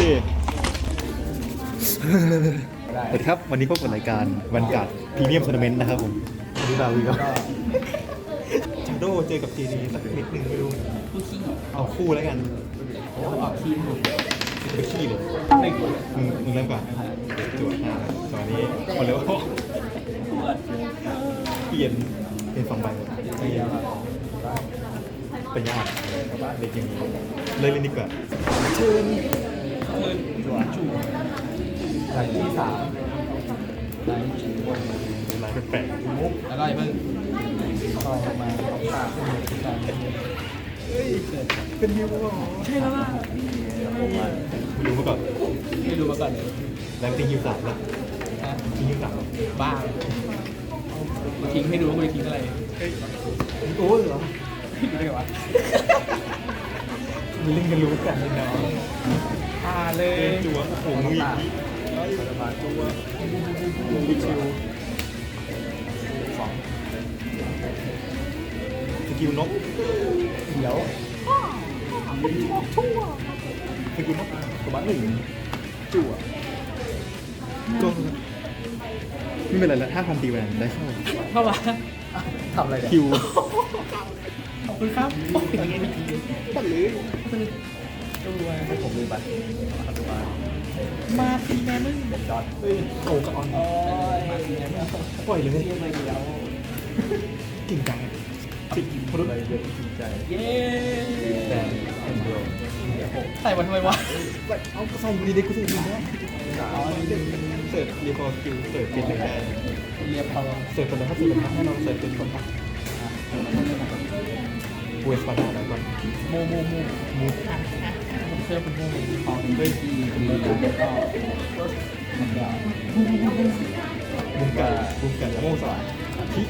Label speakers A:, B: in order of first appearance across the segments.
A: สวัสดีครับวันนี้พบกับรายการวันการ์ดพรีเมียมทัวร์นาเมนต์นะครับผมวันนี้บาวีก็ชาโดเจอกับเจดีสักนิดนึงไม่รู้เอาคู่แล้วกันเอาขี้ไปขี้เลยมึงเริ่มก่อนจวดหน้าตอนนี้มาเร็วเปลี่ยนเป็น2 ใบเป็นยากเด็กอย่างนี้เลยเล่นดีกว่าเชิญจั่วจู่ลายที่3ลายจู่ลายแปลกๆมุกแล้วก็อย่าเพิ่งต่อมาเอาขาเฮ้ยเป็นยูหรอใช่แล้วล่ะไม่รู้มาก่อนเลยแล้วทิ้งยู3แล้วทิ้งยู3บ้าทิ้งให้ดูว่าคุณทิ้งอะไรโอ้เหรอดูได้ไงวะมีเล่นกันรู้กันเลยเนาะเลยจัวโอ้โหอีกจัวบิ๊กชิวสกิลนกเดี๋ยวสกิลนกตัวบ้าน1จั่วก็ไม่เป็นไรแล้ว5,000ตีแหวนได้เข้ามาทำอะไรคิวขอบคุณครับอย่างเงี้ยปัดเลยตัวให้ผมเลยบัตรมาตีแม่มึงเด็ดจอดโอ้กับออนมาตีแม่มึงปล่อยเลยเก่งจังติดพรุ่งเลยเยอะจริงใจเย้แต่คนเดียวใส่มาทำไมวะเอาใส่ดีเด็กกูใส่ดีนะเสิร์ฟเรียพอคิวเสิร์ฟเป็นเลยได้เรียพอเสิร์ฟคนละถ้าเสิร์ฟให้เราเสิร์ฟเป็นคนพักเวสปาร์ตแล้วก่อนโมผมเชื่อเป็นโมของด้วยดีแล้วก็บุ้งกันโมสายที่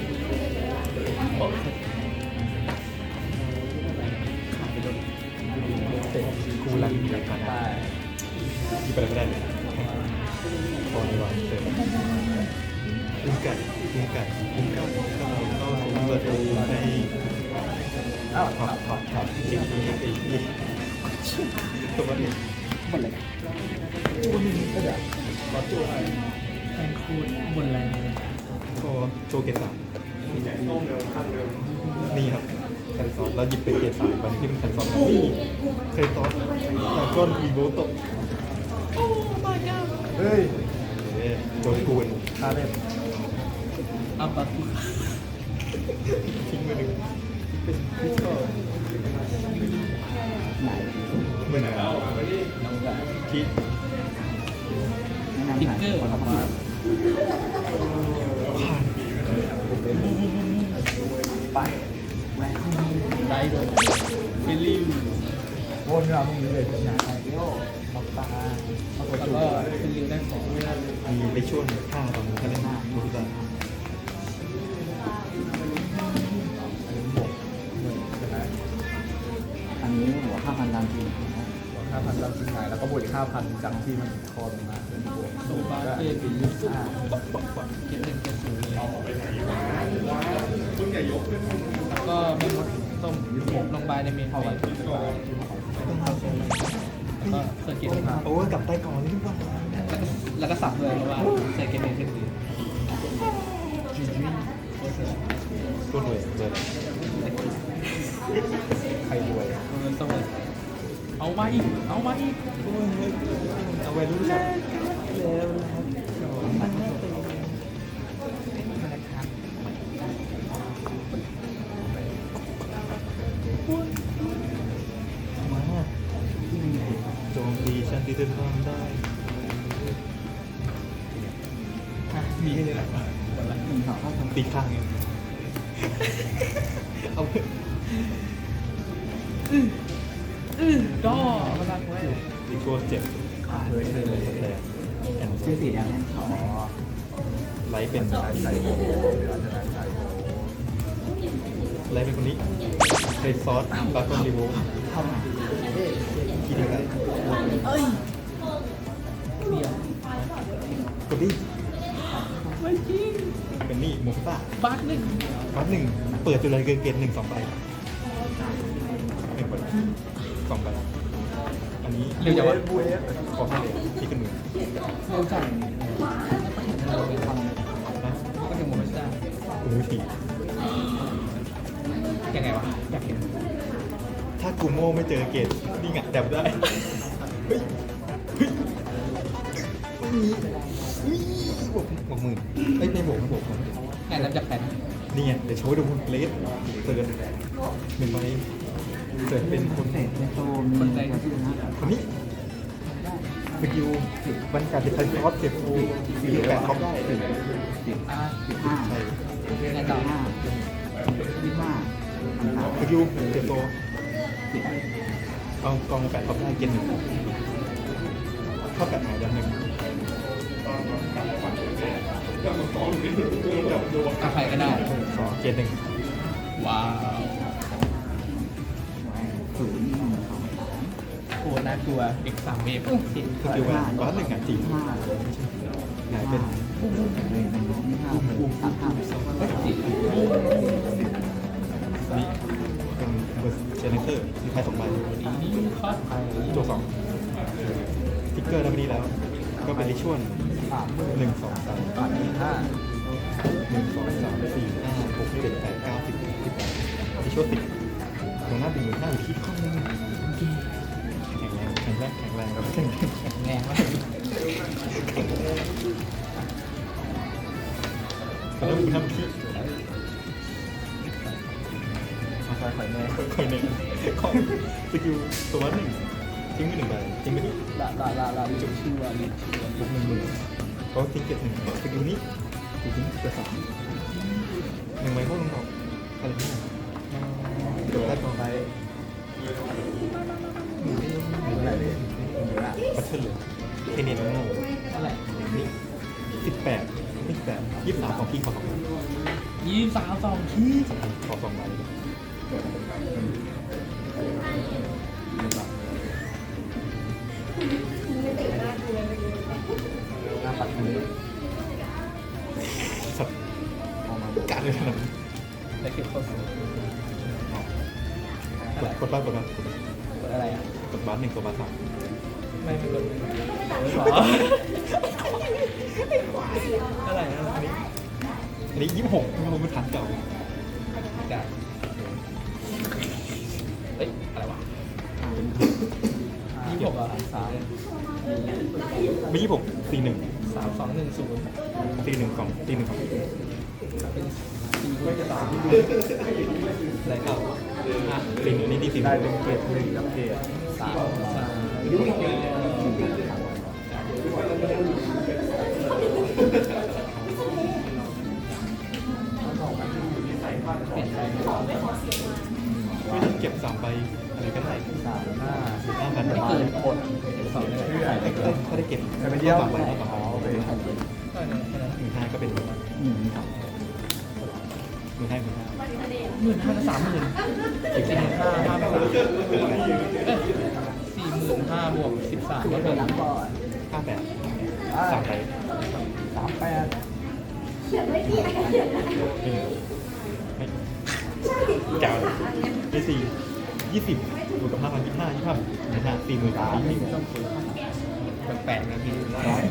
A: เตะกูรันจากการได้ที่ไปไม่ได้เลยพอดีกว่าเตะบุ้งกันเข้าเปิดประตูให้ถอดจริงตัวนี้หมดเลยตัวนี้ก็เดี๋ยวรอตัวอะไรแทงคูดบนแรงก็โจเกต3นี่ครับแคนซอนแล้วหยิบเป็นเกต3วันที่เป็นแคนซอนนี่เคยตอนแต่ก้อนวีโบตกโอ้ my god เฮ้ยโจกูนคาเล่นอัปปะทิ้งมาหนึ่งเป็นพิซซ่าไหนเมื่อไหร่คิดติ๊กเกอร์ผ่านไปได้เลยเฟลลี่วนเราพวกนี้เลยเป็นอย่างไรเดี๋ยวมอกตาแล้วก็เป็นลิวได้ของมีไปช่วงข้างตอนนี้ก็เล่นดูดี
B: อันนี้หัว5,000 ตามทีม
C: หัว5,000ตามทีมหายแล้วก็บวกอีก 5,000จากที่มันคอลงมาเป็นบวก
B: โซบาเอปีเก็บ1 เก็บ0แล้วก็ไม่ลดต้มลงใบในเมนไปต้องทำตรงแล้วก็เซอร์กิตมา
A: โอ้กลับใต้กองนี่ทุกวัน
B: แล้วก็สับเลยเพราะว่าใส่เกมเมนขึ้นดี
A: ตัวรวยเลย
C: ใครรวย
B: ต้องเอามาอีกเอาไ
A: ว้รู้จักแล้วมาโจมตีฉันที่จะทำได้มีให้เลยนะตีข้างเนี่ยเอา
B: ดอมาดักไว้
A: ตีตัวเจ็บ
C: เฮ้ยเลย
B: ชื่อสีแดง
A: ไลท์เป็น
C: ใส่โบ
A: ไลท์เป็นคนนี้ใส่ซอสบาร์คอนรีโวคิดยังไง
B: เดียว
A: กดดิ
B: ไม่จริง
A: เป็นนี่โมฟ่า
B: บัต1
A: เปิดจุดอะไรเกินเกณฑ์1 2 ใบ1 ใบ2 ใบอันนี้
B: เร็วจังวะ
C: บูเอส
A: ขอให้เลยที่ขึ้นมือ
B: เร็วจัง
A: นะ
B: ก็ถึงหมดไม่ได้
A: กูรู้ที
B: ยังไงวะอยากเห็น
A: ถ้ากูโม่ไม่เจอเกตนี่ไงแดบได้เฮ้ยเฮ้ยไม่มีบวกหมื่นไอ้ยในบวกมันบวกมัน
B: งานรับจากแผน
A: นี่ไงเดี๋ยวโชว์ดูคุณเลสเปิดหนึ่งใบเกิดเป็นคน
B: คนใจ
A: คนนี้สกิลบรรยากาศเป็นไทยคอสเก็บฟูสี่แปดท็อปได้
B: อ่า
A: ใช่
B: งานต่อ
A: สกิลเก็บโตเอากองแปดท็อปได้เกณฑ์หนึ่งเท่ากับหายดันหนึ่ง
B: เอาใครก็ได้
A: สองเกณฑ์หนึ่ง
B: ว้าวโคตรน่ากลัวเด็กสามเมตร
A: สกิลแวนก้อนหนึ่งอ่ะจริงหายเป็น นี่เป็นเบอร์เจเนเตอร์มีใครสองใบ
B: นี่คอสไป
A: ตัวสองทิกเกอร์แล้วไม่ดีแล้ว ก็เป็นลิชวลหนึ่งสองสาม
B: ก่อนที่ห้า
A: 1 2 3 4 5 6 7 8 9 10 11ที่ช่วย10ตรงหน้าดึงหน้าอยู่ที่ข้อนึงแข็งแรงแข็งแรงครับแข็งแรง
B: แรงมาก
A: แล้วคุณทำที่
C: มาใส่ไข่แม่
A: คอยหนึ่งของสกิลตัวหนึ่งทิ้งไปหนึ่งใบทิ้งไปที่
B: ลาจุดชื่อว่าลิชื่อว่า
A: บวก1 0,000เขาทิ้งเก็บหนึ่งสกิลนี้ถูกทิ้งเก็บ3หนึ่งใบพวกลงดอกอะไรนี่เดี๋ยวได้กองไป
C: อะไรเนี่ย
A: บัตเทิลเลยเทเนียนโง่
B: เท่าไหร่
A: นี่18ไม่18 23ของพี่ขอ2ใบ
B: 23ที่
A: ขอ2ใบ
C: หน้าปัดมือ
A: สัตว์การเลยขนาดนี้
B: ได้เก็บข้อสูง
A: กดบ้านกดบ้าน
B: กดอะไรอ่ะ
A: กดบ้าน1ตัวบ้าน3
B: ไม่กดหรออะไรนะอันนี้
A: อันนี้26มันเป็นฐานเก่า
B: จ้ะเอ้ยอะไรวะ26อ่ะ3
A: ไม่26 41
B: 3210
A: 41ของ41ของ
B: เป็น4ไม่จะตาม
A: อะไรเก่าอ่ะ41นี่ที่
C: ได้
A: 41
C: เป็นเกรดหนึ่งกับเกรดสาม
B: เปลี่ยนไป
A: ไม่ต้องเก็บ3ใบอะไรก็ได้
C: สามหน้า
A: 5,000
C: มา
A: บาท
C: เป็นคน
B: สองเลย
C: เพื่อ
A: ถ้าได้เก็บ
C: จะไปเที่ยว
A: 3ใบก็
C: อ๋อโอเค
B: ก็เนี่ยแค่นั้น
A: 15ก็เป็น15
B: 15,000 30,000 45,000 5,000เอ้ย45,000 บวก 13ก็เป็น
A: 58 3ใบ
C: 38
A: ไม่เก่าไม่20บวกกับ5,000 25 40,000
B: แปลกๆนะพี่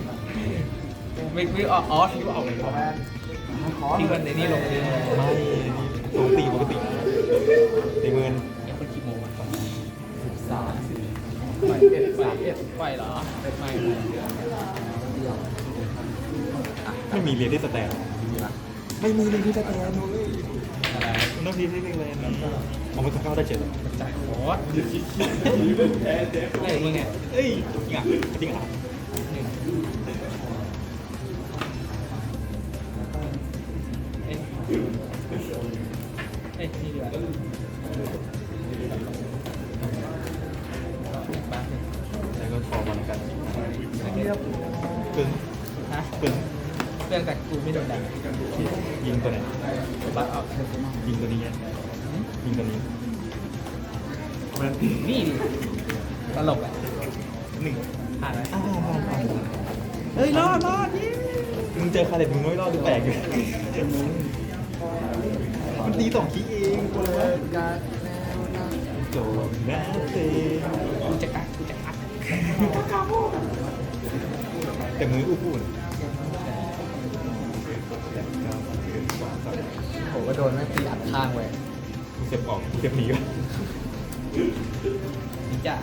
B: ไม่อ๋อที่ว่าออกเลย
C: แม่ขอ
B: ที่วันในนี้ลงเลย
A: ไม่ปกติปกติในเมือง
B: ยังคนกี่โมงอ่ะ
C: 3
B: ไปเหรอไม่
A: ไม่มีเรียนที่สแตนไม่มีเรียนที่สแตนเลย
B: อะไร
A: มันต้องเรียนที่โรงเรียนเอามาเข้าได้เจ็ดเลย
B: จ่ายคอร์สอะไรมึงเนี่ย
A: เอ้ยจริงอ่ะจริงอ่ะ
B: หนึ่งเอ้ยนี่ดีกว่าบ้านหนึ่ง
A: แล้วก็ขอวันกัน
C: เรียบ
A: ปึ้ง
B: ฮะ
A: ปึ้ง
B: เรื่องแต่กูไม่โดนด่า
A: ยิงตัวไหน
B: บัตรออก
A: ยิงตัวนี้ยิงตัวนี้
B: นี่ดิตลกอ่ะ
A: 1
B: ผ่านไหม
A: ผ่าน
B: เฮ้ยรอดยี่
A: มึงเจอคาเด็ดมึงไม่รอดหรือแปลกอยู่มันตี2 คีย์เอง
C: เปิดการแนวหน้า
A: โจแม่เต้
B: กูจะกัด
A: แต่มืออู้พูดแต่ก็สองสาม
C: ผมก็โดนแม่งตีอัดข้างไว้
A: เสียบออกเสียบหนีก็
B: นี่จ้ะ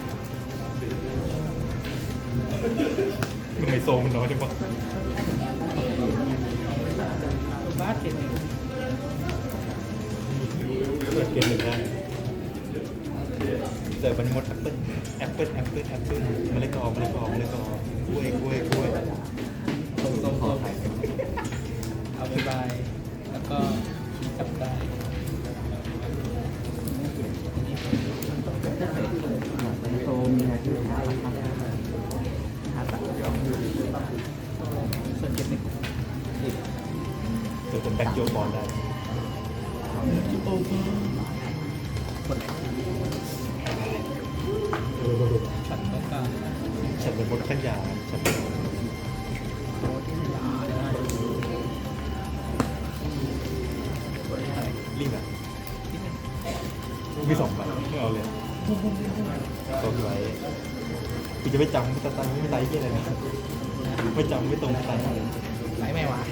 A: มันไม่โซมันน้อยจังวะ
B: บ้าเก็บ
A: เปิดเกมหนึ่งได้เจอบันมดแอปเปิ้ลแอปเปิ้ลแอปเปิ้ลแอปเปิ้ลมะละกอมะละกอมะละกอกล้วยกล้วยกล้วย
B: ตรงเอาไปบายแล้วก็กลับได้
C: โซมีอะไรที่หาราคาตัดยอม
B: ส่วนเก็บหนึ่ง
A: เจอเป็นแบ็คโยบอลได้
B: คนไหนฉันต้องการ
A: ฉันเป็นมดขั้นยาฉันเป็นลิงอ่ะมี2 ใบไม่เอาเลยตัวไว้กูจะไม่จำไม่ตัดไม่ไล่ที่อะไรนะไม่จำไม่ตรงไม่ไล่
B: ไหนไม่วะ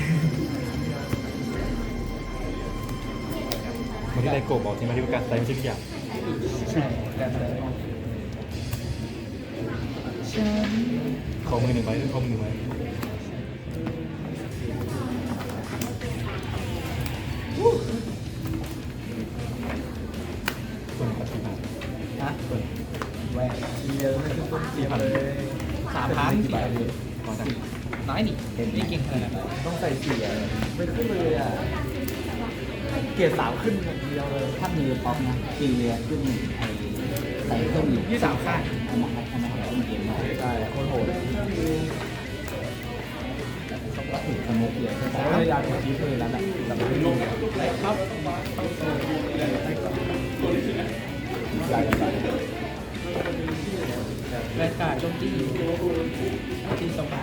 A: มันที่ไดโกบอกที่มาที่ประกาศไล่ไม่ใช่ทุกอย่าง
B: ใช่แต่อะไร
A: ขอมือหนึ่งใบขอมือหนึ่งใบส่วนปฏิบัติ
B: ฮะ
A: ส่วน
B: แหวน
C: เยอะไม่ขึ้นต้นเสียเลย
B: 3,000
C: กี่ใบเลย
A: ขอสั่ง
B: น้อยนี่นี่เก่งขนาดนั้น
C: ต้องใส่เสียไม่ขึ้นเลยอ่ะเกียร์3ขึ้นอย่างเดียวเลย
D: ถ้ามือป๊อปนะตีเรือขึ้นไอ้ใส่เครื่องอยู่
B: ยี่สามข้าง
D: อันนั้นอันนั้นของเกมเนาะ
C: ใช่โคตรโหด
D: ก็ถือสมุกเลย
C: ผมก็พยายามจะชี้เลยแล้วแหละแต่ไม่ลง
B: ครับ
C: ใหญ่ใหญ่
B: แวนการ์ดโจมตีตี2 บาท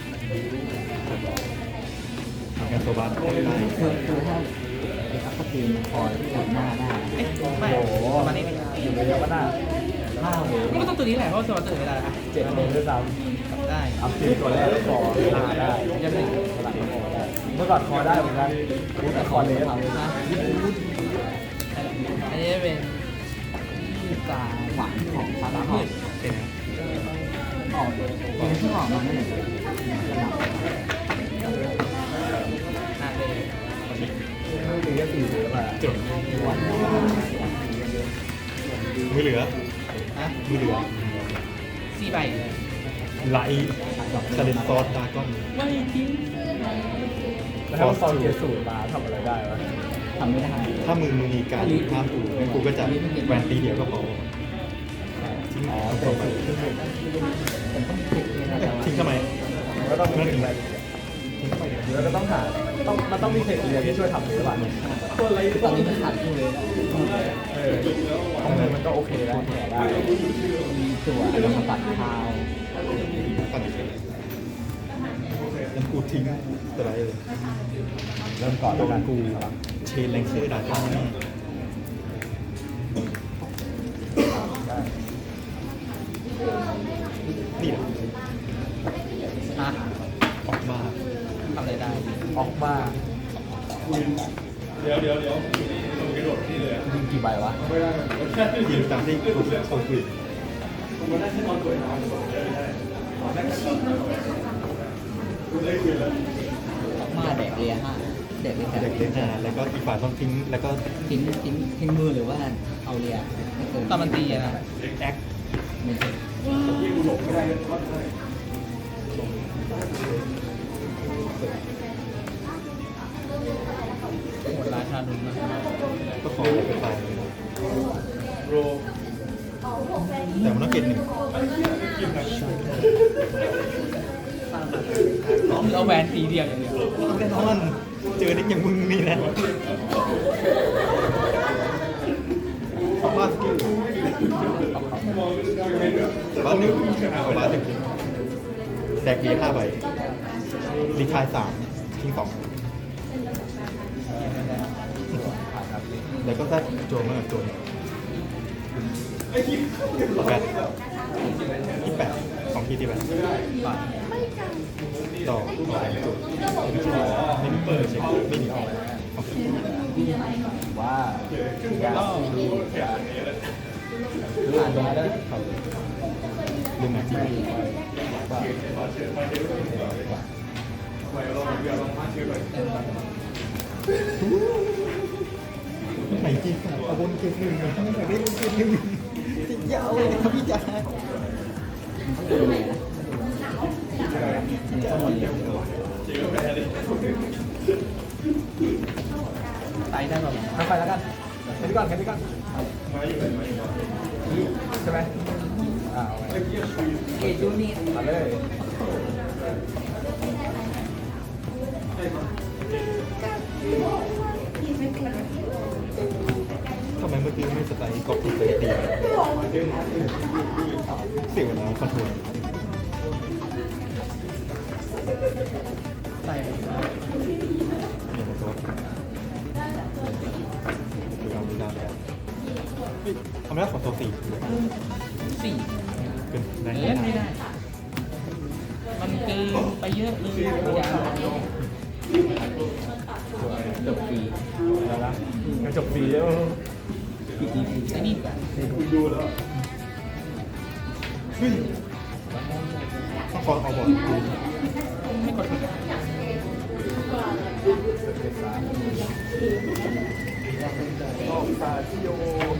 A: งานโซบาร์ได้
D: คือถ้าเด็กอัพเกมพอที่หน้าได้
B: เอ๊ะไม่ประมาณนี้
C: อยู่ในเยาวนา
D: ถ้าโห
B: ก็ต้องตัวนี้แหละเพราะสวัสดิ์ไม่ได้อะ
C: 7 เมตรด้วยซ้
B: กลับได้
C: ำอัพทีตัวแรกคอหน้าได้
B: ยังหนึ่ง
C: สลับคอได้เมื่อก่อนคอได้เหมือนกันแต่คอเลส
B: นะอันนี้เป็น
D: ตาหวานของซาบะหอม
A: เป็นนะ
D: ออกเป็นที่หอมมันนั่นแหละ
B: อ่านเลย
C: ไม่ตีก็ตีเลยมา
A: จด
D: หวาน
A: มือเหลือ
B: ฮะ
A: มือเหลือ
B: 4 ใบ
A: ไลท์ซาเลนซอสดากอน
B: ไม่ทิ้ง
C: แล้วถ้าคอเกียร์สูตรมาทำอะไรได้วะ
D: ทำไม่ได้
A: ถ้ามือมีการห้ามกูงั้นกูก็จะแหวนตีเดียวก็พอทิ้ง
C: อ๋อ
A: เอา
C: เตะ
A: ไป
C: ขึ้นไป
D: เป็นต้องติดเลยนะแต่ว่า
A: ทิ้งทำไม
C: ก็ต้องมี
A: นั่น
C: เท
A: เอ
C: ค
A: ง
C: นิค
A: ทิ้งไป
C: แล้วก็ต้องหามันต้องมีเทคนิคที่ช่วยทำหรือเปล่า
D: ตอนนี้มันขาดคู่เลย
C: ของมันก็โอเคแล้วแผลได้
D: มีตัวอัลฟาบัตคาว
A: ตัดเลยงั้นกูทิ้งตัวไรเลย
C: เริ่มก่อนแล้วกันกู
A: เชนแรงเซอร์ดากอนนี่แหละ
B: ฮะ
A: ออกมา
B: ทำอะไรได้
C: ออกมายิงกี่ใบวะ
A: ทีมตามที่กูโคุย
D: มาแดกเรียห้าแดกเรีย
A: เด็กเล่นแล้วก็อีกฝ่ายต้องทิ้งแล้วก็
D: ทิ้งมือหรือว่าเอาเรียไม่เกิน
B: ตอนมันตีอะนะ
A: แอค
D: ไม่เกิน
B: หมดราชาดุลนะ
A: ก็ขอไปไปแต่มันต้องเก็บหนึ่ง
B: เอาแหวนตีเดียวอย่างเดียว
A: แน่นอนเจอเด็กอย่างมึงนี่นะขอบคุณสกิลบ้านหนึ่งบ้านหนึ่งแดกเบียร์5 ใบรีทาย3ทิ้ง2แล้วก็ได้โจมมากับโจมแบบ 28 2 ทีที่แบบ
B: ก่อน
A: ต่ออะไรจุดไม่มีเปิดเช็คไม่มีออกโอเค
C: ว่า
B: ก็
C: ผ่านมาได้
A: ลืมหนักที่ไหนจีกับอาบนเกมหนึ่งทำไมไม่ได้เกมหนึ่งติดยาวเลยครับพี่จ๋า
B: ไตได้แบบ
C: ทำไปแล้วกันแค่นี้ก่อนใช่ไหมเอาไป
D: เกตยูนิต
C: มาเลย
A: ทำไมเมื่อกี้ไม่สไตล์กอบถูกตีเสียเวลาคอนโทรล
B: ไตแบบ
A: อย่างไรตัวดูดาวแล้วทำได้ของตัว4
B: สี่
A: เกินได้
B: เล่นไม่ได้ มันเกินไปเยอะเลยอย่าง
D: จบปี
C: แล้วนะกระจกฟรีแล้ว
D: ปีนี้ปี
B: ไอ้นี่ดีกว่า
A: ต้องคอเอาบอล
B: ไม่กด
C: ออกตาที่โย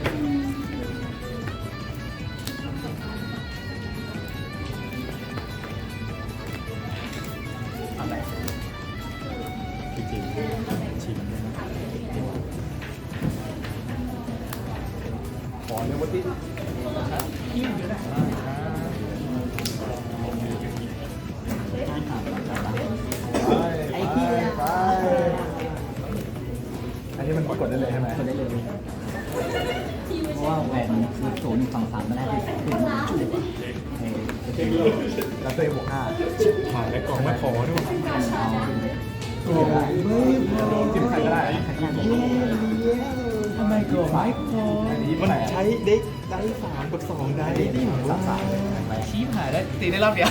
B: อะไร
A: จริงๆชิม
C: ขอเนี่ยวัตติ
B: ยิ้มอยู่นะ
C: ไอ้ที่ไปอันนี้มันกดได้เลยใช่ไหม
D: คนได้เลยเพราะว่าแหวนคือโซนฝั่งสามมันได้ถึงจุด
C: แล้วตัวเองบวก5
A: ผ่านแล้วกล่องไม่ขอด้วย
C: โอ้ยจิ้มใครก็ได้
B: ทำไมกดไม่กด
C: อันนี้
A: มันใช้เด็กได้3 กับ 2 ได้ดิ
B: ชี้หายได้ตีได้รอบเดียว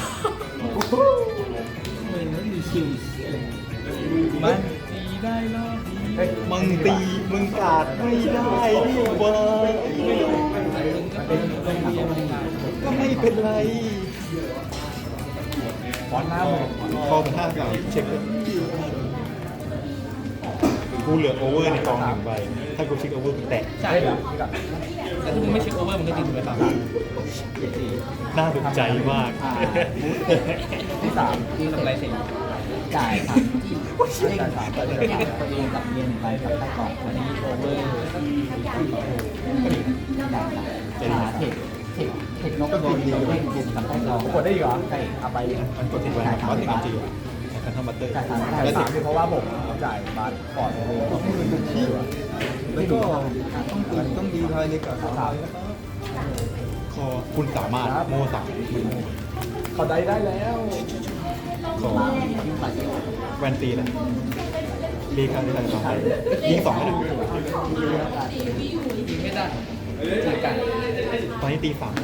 D: มันไม่มีคิว
B: มันตีได้รอบเดียว
A: มึงตีมึงกาดไม่ได้ดิวะ
B: เป็นเรียนไม่ได้
A: ก็ไม่เป็นไร
C: บอลหน้าหมด
A: คอเป็น5 3เช็คเลยกูเหลือโอเวอร์ในกอง1 ใบถ้ากูเช็คโอเวอร์กูแตะ
B: ใช่
C: เดี๋ยวนี่ก่อน
B: แต่ถ้ามึงไม่เช็คโอเวอร์มันก็ตีถูกไปต่อ
A: น่าถูกใจมาก
C: ที่3
B: ที่ทำไรเสร็จ
D: จ่ายสามเล่นตัวเองกับเรียนไปกับใต้กล่องอันนี้โอเวอร์เทคนกโดนดีเล่นกับใต้กล่อง
C: กดได้อีกเหรอใช่เอาไป
A: มันกดติดไว้นะเพราะติดจริงๆการทำบัตเตอร์
C: แต่3คือเพราะว่าผมจ่ายบัตรก่อนเลยที่อยู่
A: แล้วก็ต้องดีภายในกับคอคุณสามารถโม่3
C: เขาได้แล้ว
A: ขอแวนตีเลยรีคาที่ไหน2 ใบยิง2ให้หนึ่ง
B: ยิงไม่ได้เจอกัน
A: ตอนนี้ตี38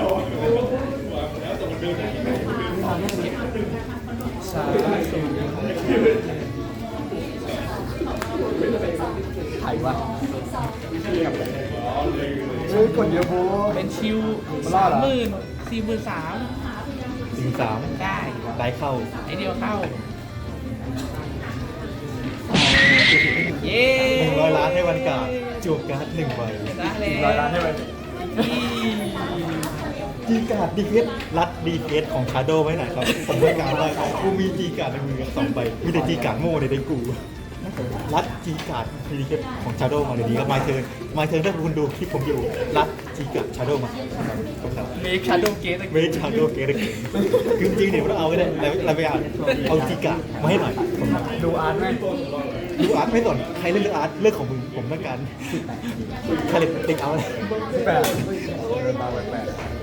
B: สามศูนย์
C: ไถวะเฮ้ยกดเยอะโบ
B: เป็นชิว
C: มันรอดเหรอ
B: 30,000
A: ถึง3
B: ได้
A: ได้เข้า
B: ไอเดียวเข้า เย้
A: 100 ล้านให้วันกาดจวบการ์ด1 ใบ
B: ได้แล้ว
C: 100 ล้านใช่ไหม
A: จีการ์ดดีเอสรัดดีเอสของชาโดไว้ไหนครับผมไม่การว่ากูมีจีการ์ดในมือ2 ใบมีแต่จีการ์ดโง่ในเด็กกูรัดจีการ์ดดีเอสของชาโดมาเดี๋ยวนี้ครับมาเทิร์นถ้าคุณดูคลิปผมอยู่รัดจีการ์ดชาโดมา
B: เมคชาโดเกต
A: เวชาโดเกตคือจริงๆเนี่ยเราเอาไว้ได้เราไปเอาจีการ์ดมาให้หน่อย
C: ดูอาร์ตไหม
A: ดูอาร์ตไม่สนใครเล่นเรื่องอาร์ตเรื่องของมึงผมต้องการใครเล่นติ๊กเอาเลย
C: 18เดินมา8